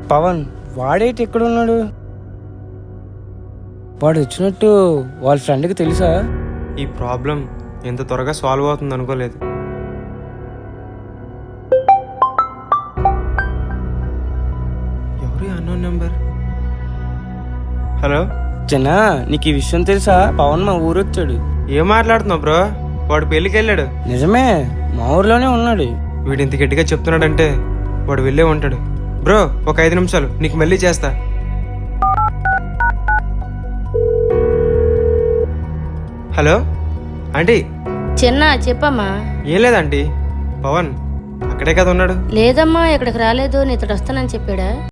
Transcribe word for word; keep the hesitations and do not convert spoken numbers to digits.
పవన్ వాడేటి ఎక్కడ ఉన్నాడు? వాడు వచ్చినట్టు వాళ్ళ ఫ్రెండ్కి తెలుసా? ఈ ప్రాబ్లం ఎంత త్వరగా సాల్వ్ అవుతుంది అనుకోలేదు. ఎవరి అన్నోన్ నెంబర్? హలో చిన్న, నీకు ఈ విషయం తెలుసా? పవన్ మా ఊరు వచ్చాడు. ఏం మాట్లాడుతున్నావు బ్రో? వాడు పెళ్ళికి వెళ్ళాడు. నిజమే, మా ఊర్లోనే ఉన్నాడు. వీడు ఇంత గట్టిగా చెప్తున్నాడంటే వాడు వెళ్ళే ఉంటాడు. బ్రో ఒక ఐదు నిమిషాలు, నీకు మళ్ళీ చేస్తా. Hello aunty. చిన్న చెప్పమ్మా. ఏం లేదంటీ, పవన్ అక్కడే కదా ఉన్నాడు. లేదమ్మా, ఇక్కడికి రాలేదు. నీతో వస్తానని చెప్పాడా?